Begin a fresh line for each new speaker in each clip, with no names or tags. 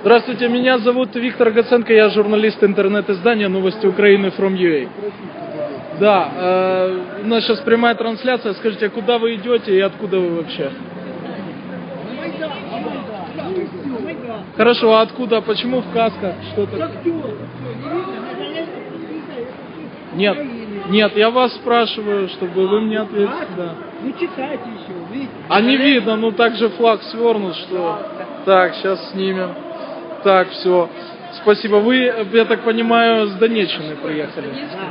Здравствуйте, меня зовут Виктор Гаценко, я журналист интернет-издания «Новости Украины from UA». Да, у нас сейчас прямая трансляция. Скажите, куда вы идете и откуда вы вообще? Хорошо, а откуда? Почему в касках? Что-то? Нет, нет, я вас спрашиваю, чтобы вы мне ответили. Да.
Ну читайте еще, видите.
А не видно, ну так же флаг свернут, что... Так, сейчас снимем. Так, все. Спасибо. Вы, я так понимаю, с Донеччины приехали?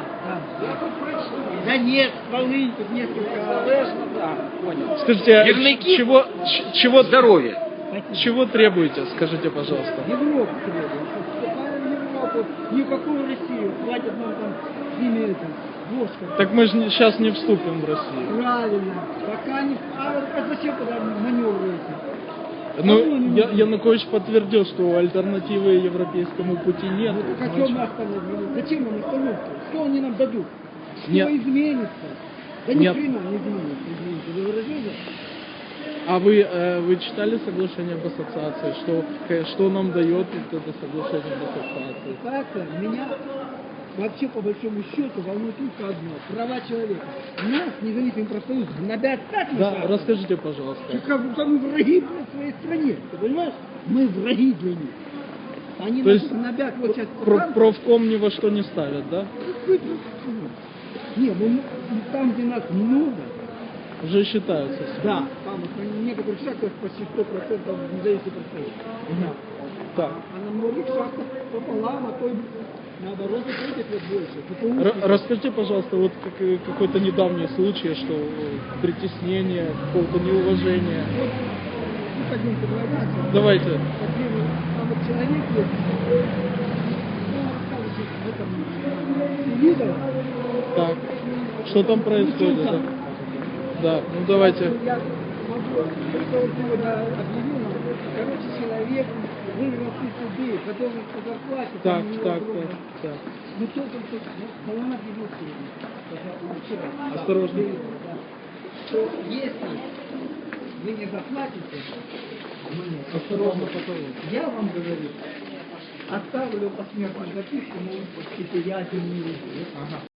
Да нет, Волынь, тут несколько... Да, понял.
Скажите,
Явники?
чего
Здоровье.
чего требуете, скажите, пожалуйста?
Европу требует. Вступаем в Европу, никакую Россию. Хватит нам там с ними это, ложка.
Так мы же сейчас не вступим в Россию.
Правильно. Пока не... А зачем тогда маневруете?
Ну, Янукович подтвердил, что альтернативы европейскому пути нет.
Ну так о чем мы остановились? Зачем нам остановка? Что они нам дадут? Что
Нет.
изменится? Да ни
Нет.
хрена не изменится, извините. Вы выразили?
А вы читали соглашение об ассоциации? Что нам дает вот это соглашение об ассоциации?
Ассоциация меня вообще по большому счету волнует только одно. Права человека. Нас, независимый профсоюз, гнобят так
Да,
наказывают,
расскажите, пожалуйста.
как будто мы враги в своей стране. Ты понимаешь? Мы враги для них. Они
То
нас
есть
гнобят вот сейчас.
Профком ни во что не ставят, да?
Не, ну там, где нас много,
Уже считаются.
да, там в некоторых шахтах почти 100% независимый профсоюз. Да.
Так.
А на многих шахтах пополам, а то и наоборот выходит больше.
Расскажите, пожалуйста, вот какой-то недавний случай, что притеснение, какого-то неуважения.
Вот, ну, пойдем предлагаться.
Давайте.
Там вот человек есть, он рассказывает в этом видео.
Так. Что там происходит? Да? Да, ну давайте.
Я могу, только вот сегодня объявил нам, короче, человек выиграл 1000 рублей, потом по зарплате.
Так,
там,
так,
огромное.
так.
Ну только колонна объявил сегодня.
Осторожно.
Да. Что если вы не заплатите,
Осторожно, потом.
я вам говорю, оставлю посмертную записку, может быть, я не